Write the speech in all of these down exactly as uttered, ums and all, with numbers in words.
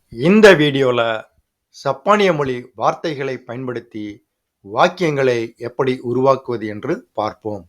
இந்த வீடியோல சப்பானிய மொழி வார்த்தைகளை பயன்படுத்தி வாக்கியங்களை எப்படி உருவாக்குவது என்று பார்ப்போம்.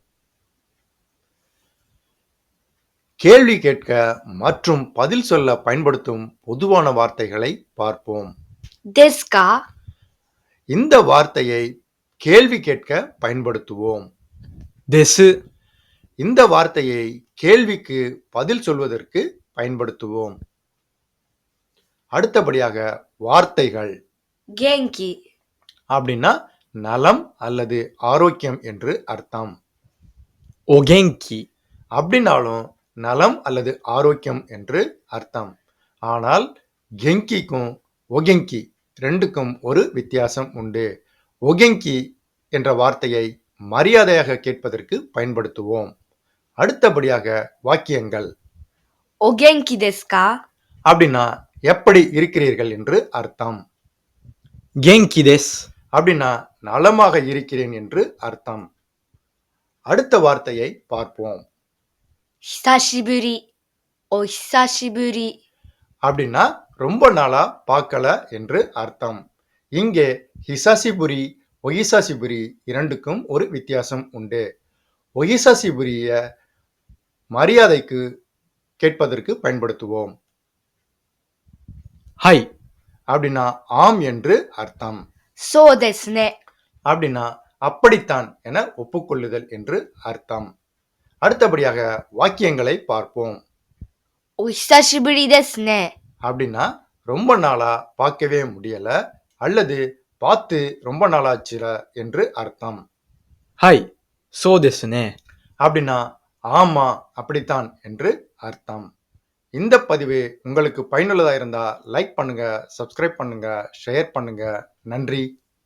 கேள்வி கேட்க மற்றும் பதில் சொல்ல பயன்படுத்தும் பொதுவான வார்த்தைகளை பார்ப்போம். ですか இந்த வார்த்தையை கேள்வி கேட்க பயன்படுத்துவோம். です இந்த வார்த்தையை கேள்விக்கு பதில் சொல்வதற்கு பயன்படுத்துவோம். அடுத்தபடியாக வார்த்தைகள் 元気 அப்படின்னா நலம் அல்லது ஆரோக்கியம் என்று அர்த்தம். お元気 அப்படின்னாலும் நலம் அல்லது ஆரோக்கியம் என்று அர்த்தம். ஆனால் கெங்கிக்கும் ஒகெங்கி ரெண்டுக்கும் ஒரு வித்தியாசம் உண்டு. ஒகெங்கி என்ற வார்த்தையை மரியாதையாக கேட்பதற்கு பயன்படுத்துவோம். அடுத்தபடியாக வாக்கியங்கள் お元気ですか அப்படின்னா எப்படி இருக்கிறீர்கள் என்று அர்த்தம். 元気です அப்படின்னா நலமாக இருக்கிறேன் என்று அர்த்தம். அடுத்த வார்த்தையை பார்ப்போம். 久しぶりお久しぶり அப்படின்னா ரொம்ப நாளா பார்க்கல என்று அர்த்தம். இங்கே ஹிசாசிபுரி ஒகிசாசிபுரி இரண்டுக்கும் ஒரு வித்தியாசம் உண்டு. ஒகிசாசிபுரிய மரியாதைக்கு கேட்பதற்கு பயன்படுத்துவோம். はい அப்படின்னா ஆம் என்று அர்த்தம். そうですね அப்படின்னா அப்படித்தான் என ஒப்புக்கொள்ளுதல் என்று அர்த்தம். அடுத்தபடியாக வாக்கியங்களை பார்ப்போம். お久しぶりですね அப்படின்னா ரொம்ப நாளா பார்க்கவே முடியல அல்லது பார்த்து ரொம்ப நாளாச்சுல என்று அர்த்தம். はいそうですね அப்படின்னா ஆமா அப்படித்தான் என்று அர்த்தம். இந்த பதிவு உங்களுக்கு பயனுள்ளதா இருந்தா லைக் பண்ணுங்க, சப்ஸ்கிரைப் பண்ணுங்க, ஷேர் பண்ணுங்க. நன்றி.